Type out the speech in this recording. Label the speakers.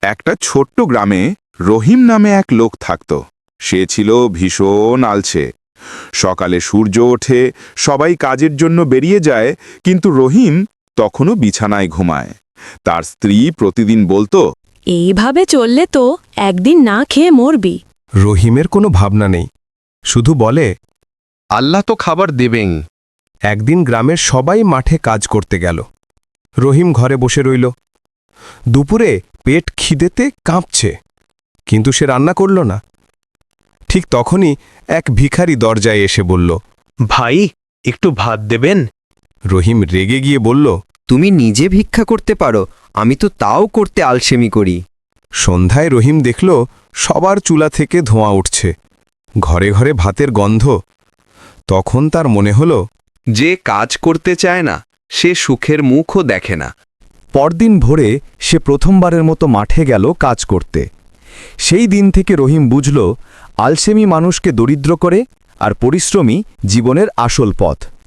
Speaker 1: একটা ছোট্ট গ্রামে রহিম নামে এক লোক থাকত। সে ছিল ভীষণ আলছে। সকালে সূর্য ওঠে, সবাই কাজের জন্য বেরিয়ে যায়, কিন্তু রহিম তখনও বিছানায় ঘুমায়। তার স্ত্রী প্রতিদিন বলতো,
Speaker 2: এইভাবে চললে তো একদিন না খেয়ে মরবি।
Speaker 3: রহিমের কোনো ভাবনা নেই, শুধু বলে,
Speaker 4: আল্লাহ তো খাবার দেবেন।
Speaker 3: একদিন গ্রামের সবাই মাঠে কাজ করতে গেল। রহিম ঘরে বসে রইল। দুপুরে পেট খিদেতে কাঁপছে, কিন্তু সে রান্না করল না। ঠিক তখনই এক ভিখারি দরজায় এসে বলল,
Speaker 5: ভাই, একটু ভাত দেবেন?
Speaker 3: রহিম রেগে গিয়ে বলল,
Speaker 6: তুমি নিজে ভিক্ষা করতে পারো, আমি তো তাও করতে আলসেমি করি।
Speaker 3: সন্ধ্যায় রহিম দেখল সবার চুলা থেকে ধোঁয়া উঠছে, ঘরে ঘরে ভাতের গন্ধ। তখন তার মনে হল,
Speaker 4: যে কাজ করতে চায় না সে সুখের মুখও দেখে না।
Speaker 7: পরদিন ভোরে সে প্রথমবারের মতো মাঠে গেল কাজ করতে। সেই দিন থেকে রহিম বুঝল, আলসেমি মানুষকে দরিদ্র করে, আর পরিশ্রমী জীবনের আসল পথ।